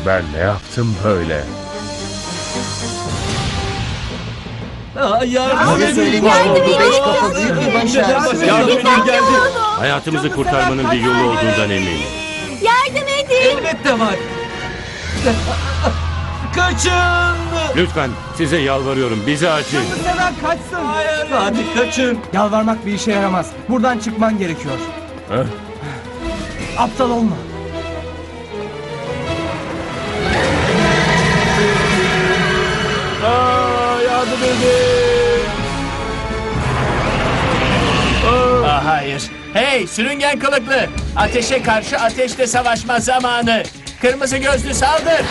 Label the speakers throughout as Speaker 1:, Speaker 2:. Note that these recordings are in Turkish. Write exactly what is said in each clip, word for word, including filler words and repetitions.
Speaker 1: Ben ne yaptım böyle?
Speaker 2: Aa, yardım
Speaker 3: Size
Speaker 2: edin.
Speaker 3: söylediğim
Speaker 4: Yardım
Speaker 3: bu
Speaker 4: edin.
Speaker 3: beş kafa büyük bir başarı.
Speaker 2: Yardım edin geldi.
Speaker 5: Hayatımızı kurtarmanın bir yolu olduğundan eminim.
Speaker 4: Yardım edin.
Speaker 2: Elbette var. Kaçın.
Speaker 5: Lütfen size yalvarıyorum bizi acil.
Speaker 6: Seven kaçsın.
Speaker 2: Hayır. Hadi kaçın.
Speaker 6: Yalvarmak bir işe yaramaz. Buradan çıkman gerekiyor.
Speaker 1: Heh.
Speaker 6: Aptal olma.
Speaker 1: Aa, yardım edin!
Speaker 7: Aa, hayır. Hey sürüngen kılıklı. Ateşe karşı ateşle savaşma zamanı. Kırmızı gözlü saldır.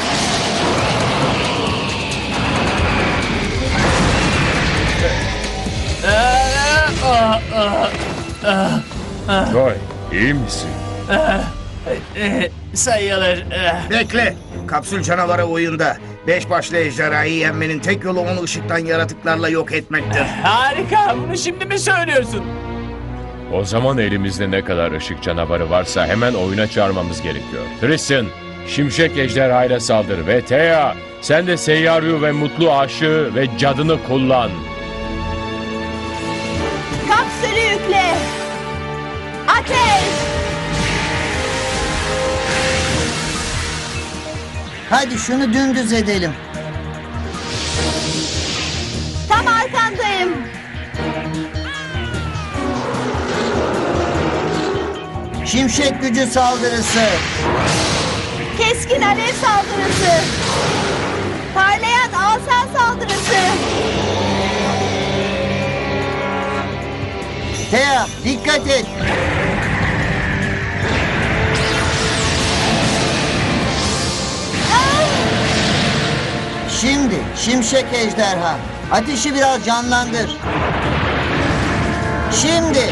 Speaker 7: Aa, aa, aa,
Speaker 1: Joy, iyi misin?
Speaker 7: eh, sayılır. Eh.
Speaker 3: Bekle. Kapsül canavarı oyunda. Beş başlı ejderhayı yenmenin tek yolu onu ışıktan yaratıklarla yok etmektir.
Speaker 7: Harika. Bunu şimdi mi söylüyorsun?
Speaker 1: O zaman elimizde ne kadar ışık canavarı varsa hemen oyuna çağırmamız gerekiyor. Tristan, şimşek ejderhayla saldır ve Thea, sen de Seyyaryu ve Mutlu Aşığı ve cadını kullan.
Speaker 4: Kapsülü yükle. Ateş.
Speaker 3: Hadi şunu dümdüz edelim.
Speaker 4: Tam arkandayım.
Speaker 3: Şimşek gücü saldırısı.
Speaker 4: Keskin alev saldırısı. Parlayan asa saldırısı.
Speaker 3: Thea dikkat et. Şimdi şimşek ejderha. Ateşi biraz canlandır. Şimdi.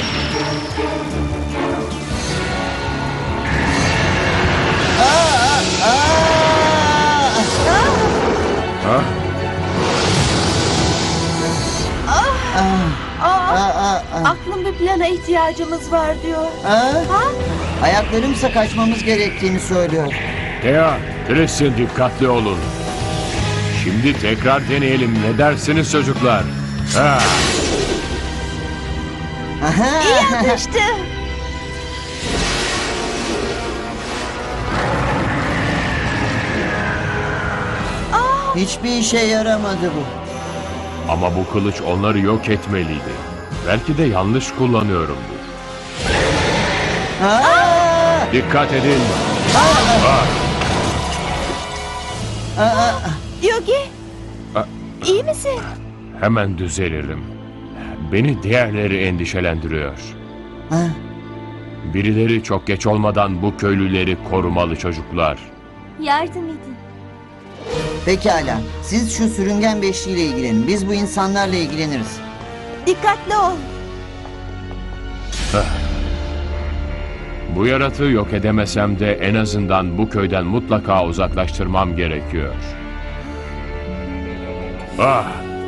Speaker 3: Aa, aa, aa.
Speaker 1: Ha?
Speaker 4: Aa,
Speaker 3: Aa, aa.
Speaker 4: aklım bir plana ihtiyacımız var diyor.
Speaker 3: Aa.
Speaker 4: Ha?
Speaker 3: Ayaklarımsa kaçmamız gerektiğini söylüyor.
Speaker 1: Thea, Tristan dikkatli olun. Şimdi tekrar deneyelim. Ne dersiniz çocuklar? Ha.
Speaker 3: Aha.
Speaker 4: İyi atıştı.
Speaker 3: Hiçbir işe yaramadı bu.
Speaker 1: Ama bu kılıç onları yok etmeliydi. Belki de yanlış kullanıyorumdur.
Speaker 3: Aa!
Speaker 1: Dikkat edin.
Speaker 4: Yogi.
Speaker 1: Aa.
Speaker 4: İyi misin?
Speaker 1: Hemen düzelirim. Beni diğerleri endişelendiriyor.
Speaker 3: Ha?
Speaker 1: Birileri çok geç olmadan bu köylüleri korumalı çocuklar.
Speaker 4: Yardım edin.
Speaker 3: Pekala. Siz şu sürüngen beşliğiyle ilgilenin. Biz bu insanlarla ilgileniriz.
Speaker 4: Dikkatli ol.
Speaker 1: Bu yaratığı yok edemesem de en azından bu köyden mutlaka uzaklaştırmam gerekiyor. Ah!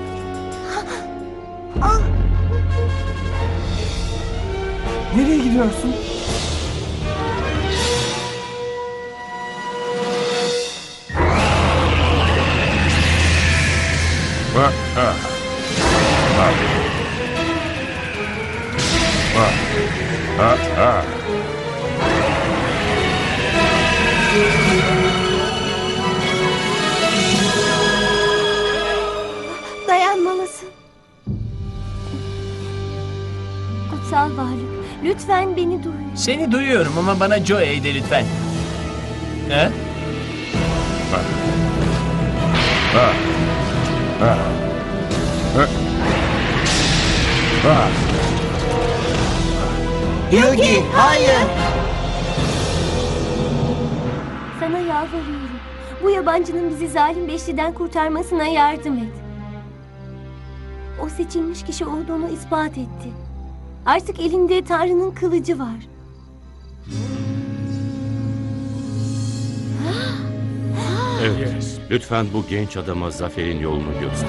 Speaker 6: Nereye gidiyorsun?
Speaker 1: Ah! Ah! Ah! Ah! Ah! Ah!
Speaker 4: Dayanmalısın. Kutsal varlık, lütfen beni duy.
Speaker 7: Seni duyuyorum ama bana Joey de lütfen. Ha?
Speaker 1: Ah! Ah! Ah! Ah!
Speaker 3: Yogi, hayır.
Speaker 4: Sana yalvarıyorum. Bu yabancının bizi zalim beşliden kurtarmasına yardım et. O seçilmiş kişi olduğunu ispat etti. Artık elinde Tanrı'nın kılıcı var.
Speaker 5: Evet. Lütfen bu genç adama zaferin yolunu göster.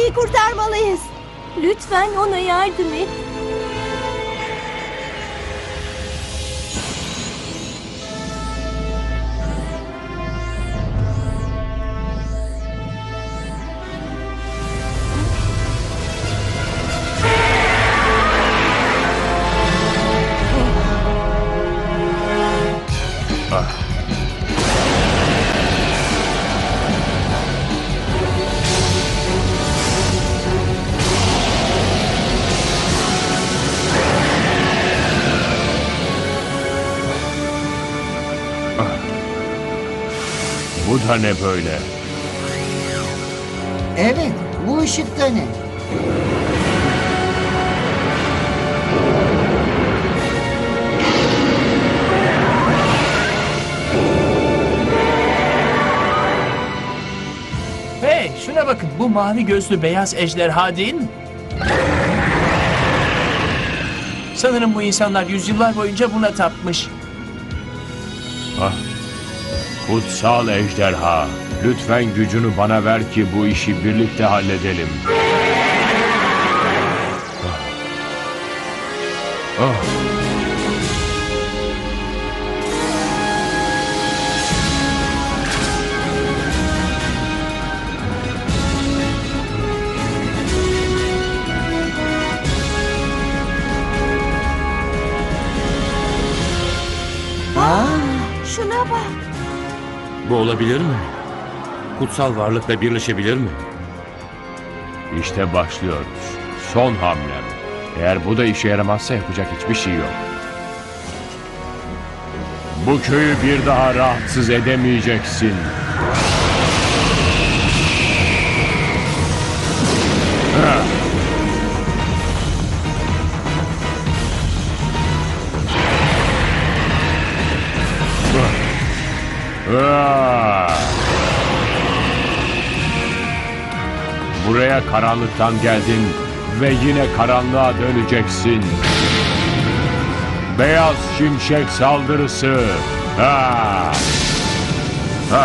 Speaker 4: Yugi'yi kurtarmalıyız. Lütfen ona yardım et.
Speaker 1: Bu da ne böyle?
Speaker 8: Evet, bu ışık da ne?
Speaker 7: Hey, şuna bakın. Bu mavi gözlü beyaz ejderha değil mi? Sanırım bu insanlar yüzyıllar boyunca buna tapmış.
Speaker 1: Ah. Kutsal ejderha, lütfen gücünü bana ver ki bu işi birlikte halledelim. Ah. Ah.
Speaker 4: Şuna bak.
Speaker 5: Bu olabilir mi? Kutsal varlıkla birleşebilir mi?
Speaker 1: İşte başlıyoruz. Son hamlem. Eğer bu da işe yaramazsa yapacak hiçbir şey yok. Bu köyü bir daha rahatsız edemeyeceksin. Ha. Ah. Buraya karanlıktan geldin ve yine karanlığa döneceksin. Beyaz şimşek saldırısı. Ha. Ha.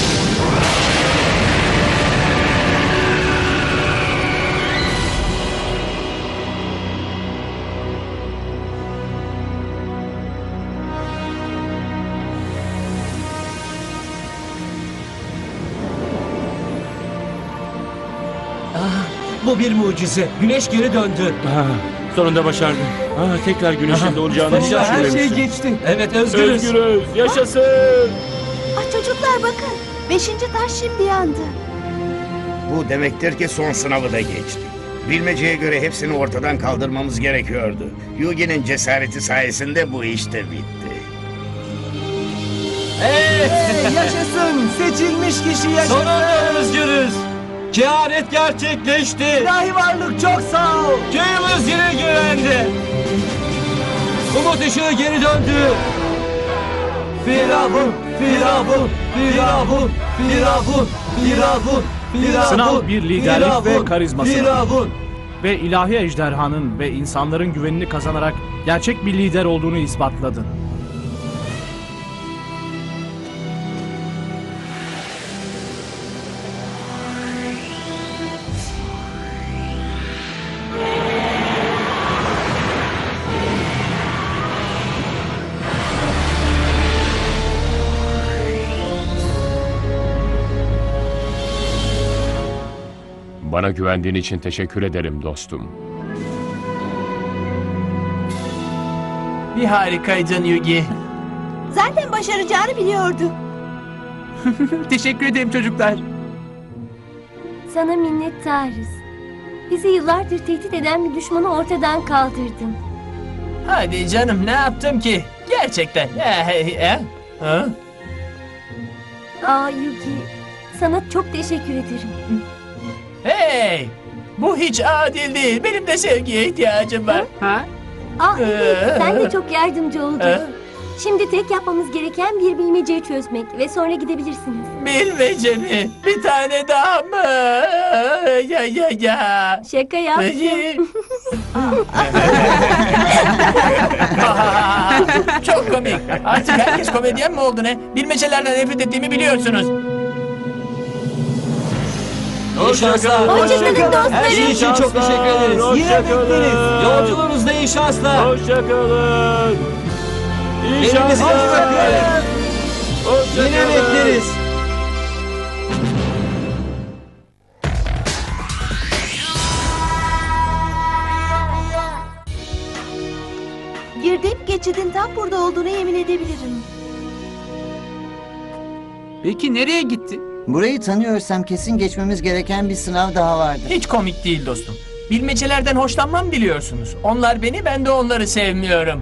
Speaker 2: Bu bir mucize. Güneş geri döndü.
Speaker 5: Ah, sonunda başardım. Ah, tekrar güneşin doğacağını hiç
Speaker 6: Sonunda her şey
Speaker 5: düşünmemiştim.
Speaker 6: geçti.
Speaker 2: Evet, özgürüz.
Speaker 5: Özgürüz, yaşasın.
Speaker 4: Ah, çocuklar bakın. Beşinci taş şimdi yandı.
Speaker 3: Bu demektir ki son sınavı da geçtik. Bilmeceye göre hepsini ortadan kaldırmamız gerekiyordu. Yugi'nin cesareti sayesinde bu iş de bitti.
Speaker 2: Evet.
Speaker 6: Hey, yaşasın. Seçilmiş kişi yaşasın.
Speaker 2: Sonunda özgürüz. Kehanet gerçekleşti.
Speaker 6: İlahi varlık çok sağ ol.
Speaker 2: Köyümüz yine güvende. Umut ışığı geri döndü.
Speaker 6: Firavun, Firavun, Firavun, Firavun, Firavun, Firavun.
Speaker 9: Sınav bir liderlik
Speaker 6: Firavun,
Speaker 9: ve karizması.
Speaker 6: Firavun.
Speaker 9: Ve ilahi ejderhanın ve insanların güvenini kazanarak gerçek bir lider olduğunu ispatladın.
Speaker 1: Bana güvendiğin için teşekkür ederim dostum.
Speaker 7: Bir harikaydın Yugi.
Speaker 4: Zaten başaracağını biliyordu.
Speaker 7: Teşekkür ederim çocuklar.
Speaker 4: Sana minnettarız. Bizi yıllardır tehdit eden bir düşmanı ortadan kaldırdın.
Speaker 7: Hadi canım, ne yaptım ki? Gerçekten. Eh, eh, eh. Ha?
Speaker 4: Aa Yugi, sana çok teşekkür ederim.
Speaker 7: Hey! Bu hiç adil değil. Benim de sevgiye ihtiyacım var. Ha?
Speaker 4: Aa evet, sen de çok yardımcı oldun.
Speaker 7: Ee?
Speaker 4: Şimdi tek yapmamız gereken bir bilmeceyi çözmek ve sonra gidebilirsiniz.
Speaker 7: Bilmece mi? Bir tane daha mı? Ya ya ya.
Speaker 4: Şaka yaptım.
Speaker 7: Çok komik. Artık herkes komedyen mi oldu ne? Bilmecelerden nefret ettiğimi biliyorsunuz.
Speaker 2: İyi şanslar.
Speaker 4: Hoşçakalın dostlarım.
Speaker 2: Her şey için çok teşekkür ederiz.
Speaker 6: Yine bekleriz.
Speaker 2: Yolculuğunuzda iyi şanslar.
Speaker 1: Hoşçakalın. İyi
Speaker 2: Elinizi
Speaker 1: şanslar.
Speaker 2: öpüyorum. Yine bekleriz.
Speaker 4: Girdap geçidin tam burada olduğunu yemin edebilirim.
Speaker 10: Peki nereye gitti?
Speaker 8: Burayı tanıyorsam kesin geçmemiz gereken bir sınav daha vardı.
Speaker 7: Hiç komik değil dostum. Bilmecelerden hoşlanmam biliyorsunuz. Onlar beni, ben de onları sevmiyorum.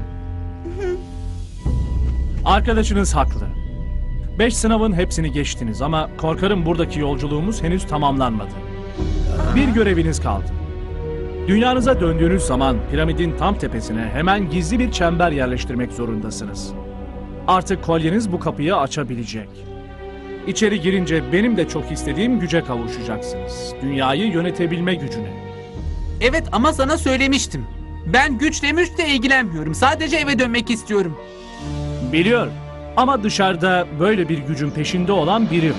Speaker 9: Arkadaşınız haklı. Beş sınavın hepsini geçtiniz ama korkarım buradaki yolculuğumuz henüz tamamlanmadı. Bir göreviniz kaldı. Dünyanıza döndüğünüz zaman piramidin tam tepesine hemen gizli bir çember yerleştirmek zorundasınız. Artık kolyeniz bu kapıyı açabilecek. İçeri girince benim de çok istediğim güce kavuşacaksınız. Dünyayı yönetebilme gücüne.
Speaker 10: Evet ama sana söylemiştim. Ben güçle müçle ilgilenmiyorum. Sadece eve dönmek istiyorum.
Speaker 9: Biliyorum ama dışarıda böyle bir gücün peşinde olan biri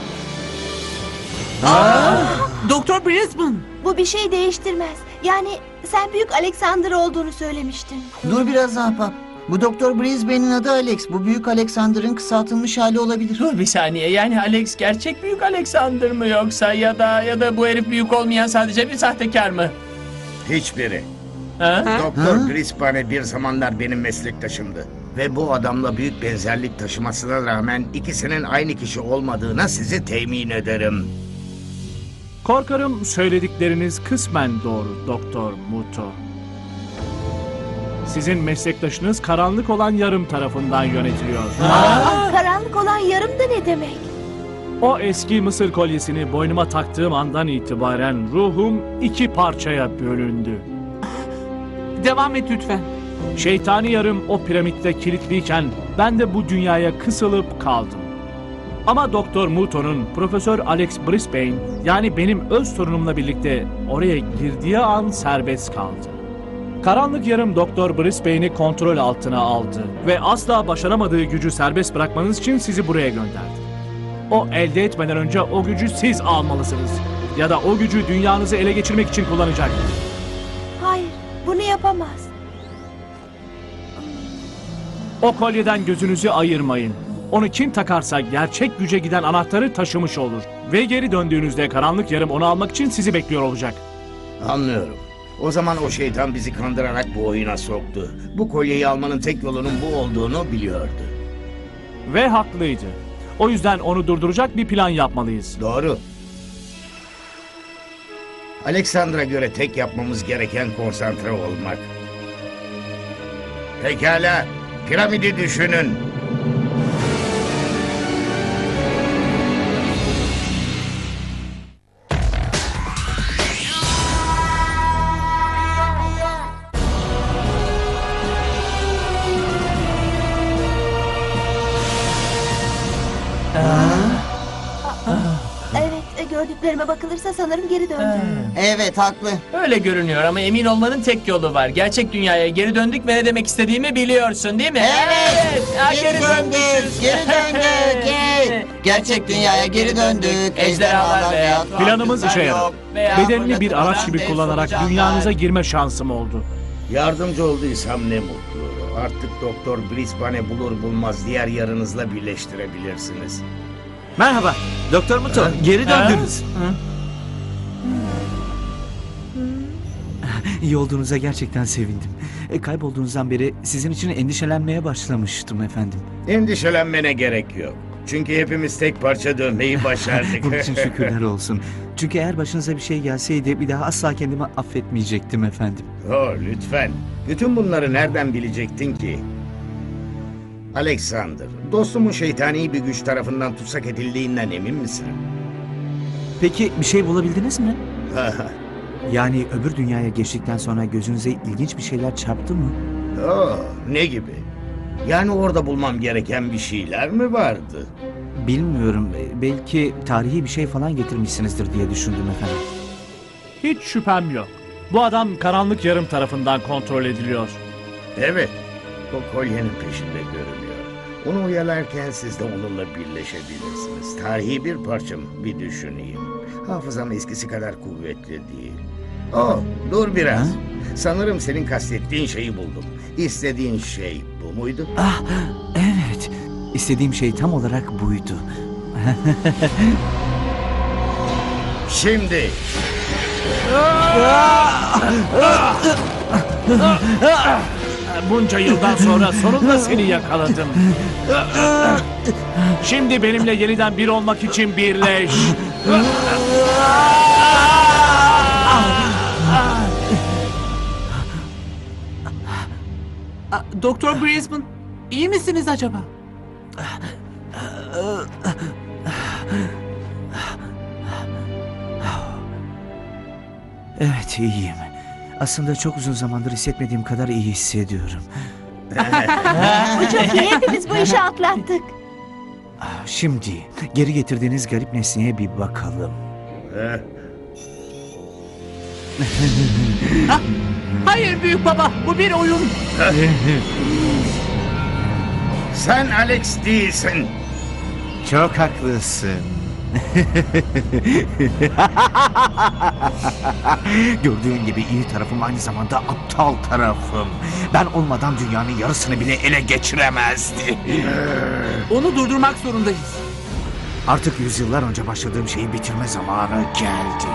Speaker 9: var.
Speaker 10: Doktor Brisbane.
Speaker 4: Bu bir şey değiştirmez. Yani sen büyük Alexander olduğunu söylemiştin.
Speaker 8: Dur biraz ahbap. Bu Doktor Brisbane'in adı Alex. Bu büyük Alexander'ın kısaltılmış hali olabilir.
Speaker 7: Dur bir saniye, yani Alex gerçek büyük Alexander mı yoksa ya da ya da bu herif büyük olmayan sadece bir sahtekar mı?
Speaker 3: Hiçbiri.
Speaker 7: Ha?
Speaker 3: Doktor Brisbane bir zamanlar benim meslektaşımdı. Ve bu adamla büyük benzerlik taşımasına rağmen ikisinin aynı kişi olmadığına sizi temin ederim.
Speaker 9: Korkarım söyledikleriniz kısmen doğru Doktor Muto. Sizin meslektaşınız karanlık olan yarım tarafından yönetiliyor.
Speaker 4: Aa, karanlık olan yarım da ne demek?
Speaker 9: O eski Mısır kolyesini boynuma taktığım andan itibaren ruhum iki parçaya bölündü.
Speaker 10: Devam et lütfen.
Speaker 9: Şeytani yarım o piramitte kilitliyken ben de bu dünyaya kısılıp kaldım. Ama Doktor Muto'nun Profesör Alex Brisbane, yani benim öz torunumla birlikte oraya girdiği an serbest kaldı. Karanlık yarım Doktor Brisbane'i kontrol altına aldı ve asla başaramadığı gücü serbest bırakmanız için sizi buraya gönderdi. O elde etmeden önce o gücü siz almalısınız. Ya da o gücü dünyanızı ele geçirmek için kullanacak.
Speaker 4: Hayır, bunu yapamaz.
Speaker 9: O kolyeden gözünüzü ayırmayın. Onu kim takarsa gerçek güce giden anahtarı taşımış olur. Ve geri döndüğünüzde karanlık yarım onu almak için sizi bekliyor olacak.
Speaker 3: Anlıyorum. O zaman o şeytan bizi kandırarak bu oyuna soktu. Bu kolyeyi almanın tek yolunun bu olduğunu biliyordu.
Speaker 9: Ve haklıydı. O yüzden onu durduracak bir plan yapmalıyız.
Speaker 3: Doğru. Alexander'a göre tek yapmamız gereken konsantre olmak. Pekala, piramidi düşünün.
Speaker 4: Evet, e, gördüklerime bakılırsa sanırım geri döndüm.
Speaker 8: Evet haklı.
Speaker 7: Öyle görünüyor ama emin olmanın tek yolu var. Gerçek dünyaya geri döndük ve ne demek istediğimi biliyorsun değil mi?
Speaker 8: Evet.
Speaker 7: Ha,
Speaker 8: Geri döndük. Geri döndük. Hey. Gerçek dünyaya geri döndük. Ejderhalar veya
Speaker 9: Planımız işe yaradı.
Speaker 7: Veya
Speaker 9: Bedenini bir araç gibi
Speaker 7: fırlatılan
Speaker 9: kullanarak
Speaker 7: dev
Speaker 9: dünyanıza
Speaker 7: solucanlar.
Speaker 9: girme şansım oldu.
Speaker 3: Yardımcı olduysam ne mutlu. Artık Doktor Brisbane bulur bulmaz diğer yarınızla birleştirebilirsiniz.
Speaker 6: Merhaba. Doktor Muto. Geri
Speaker 7: Ha?
Speaker 6: döndünüz. İyi olduğunuza gerçekten sevindim. E, kaybolduğunuzdan beri sizin için endişelenmeye başlamıştım efendim.
Speaker 3: Endişelenmene gerek yok. Çünkü hepimiz tek parça dönmeyi başardık.
Speaker 6: Bunun için şükürler olsun. Çünkü eğer başınıza bir şey gelseydi bir daha asla kendimi affetmeyecektim efendim.
Speaker 3: Oh, lütfen. Bütün bunları nereden bilecektin ki? Alexander, dostumun şeytani bir güç tarafından tutsak edildiğinden emin misin?
Speaker 6: Peki bir şey bulabildiniz mi? Yani öbür dünyaya geçtikten sonra gözünüze ilginç bir şeyler çarptı mı?
Speaker 3: Oh, ne gibi? Yani orada bulmam gereken bir şeyler mi vardı?
Speaker 6: Bilmiyorum. E, Belki tarihi bir şey falan getirmişsinizdir diye düşündüm efendim.
Speaker 9: Hiç şüphem yok. Bu adam karanlık yarım tarafından kontrol ediliyor.
Speaker 3: Evet, o kolyenin peşinde görünüyor. Onu oyalarken siz de onunla birleşebilirsiniz. Tarihi bir parça mı? Bir düşüneyim. Hafızam eskisi kadar kuvvetli değil. Oh, dur biraz.
Speaker 6: Ha?
Speaker 3: Sanırım senin kastettiğin şeyi buldum. İstediğin şey bu muydu?
Speaker 6: Ah, evet. İstediğim şey tam olarak buydu.
Speaker 3: Şimdi.
Speaker 9: Bunca yıldan sonra sonunda seni yakaladım. Şimdi benimle yeniden bir olmak için birleş.
Speaker 10: Aa, Doktor Brisbane, iyi misiniz acaba?
Speaker 6: Evet, iyiyim. Aslında çok uzun zamandır hissetmediğim kadar iyi hissediyorum.
Speaker 4: Bu çok iyi. Hepimiz bu işi atlattık.
Speaker 6: Ah, Şimdi geri getirdiğiniz garip nesneye bir bakalım.
Speaker 3: Eh,
Speaker 10: Hayır büyük baba, bu bir oyun.
Speaker 3: Sen Alex değilsin.
Speaker 6: Çok haklısın. Gördüğün gibi iyi tarafım aynı zamanda aptal tarafım. Ben olmadan dünyanın yarısını bile ele geçiremezdi.
Speaker 10: Onu durdurmak zorundayız.
Speaker 6: Artık yüzyıllar önce başladığım şeyi bitirme zamanı geldi.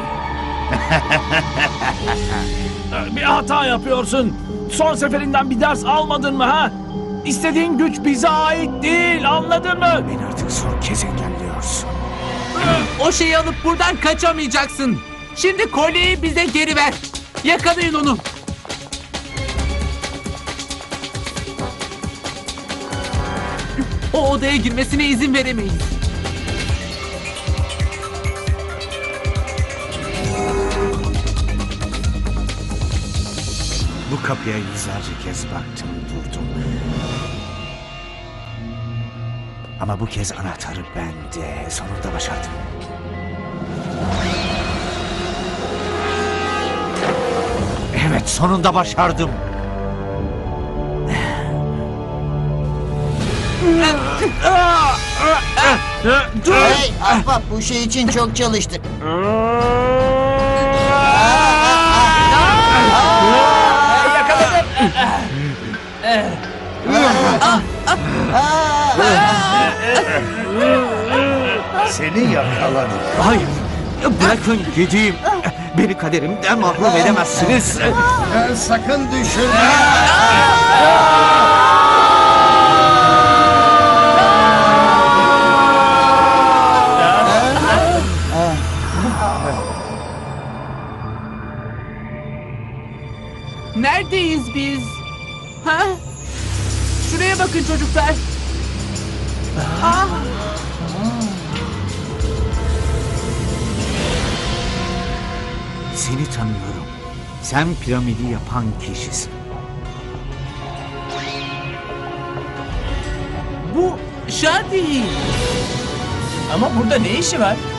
Speaker 9: Bir hata yapıyorsun. Son seferinden bir ders almadın mı ha? İstediğin güç bize ait değil, anladın mı?
Speaker 6: Beni artık son kez engelliyorsun.
Speaker 10: O şeyi alıp buradan kaçamayacaksın. Şimdi kolyeyi bize geri ver. Yakalayın onu. O odaya girmesine izin veremeyiz.
Speaker 6: Bu kapıya yüzlerce kez baktım, durdum. Ama bu kez anahtarı bende. Sonunda başardım. Evet, sonunda başardım.
Speaker 8: Hey ahbap, bu şey için çok çalıştık.
Speaker 7: Yakaladım.
Speaker 3: Seni yakaladım.
Speaker 6: Hayır, bırakın gideyim. Beni kaderimden mahrum edemezsiniz.
Speaker 3: Eh, sakın düşürme.
Speaker 10: Neredeyiz biz? Ha? Şuraya bakın çocuklar. Ah!
Speaker 6: Seni tanıyorum. Sen piramidi yapan kişisin.
Speaker 10: Bu Shadi.
Speaker 7: Ama burada ne işi var?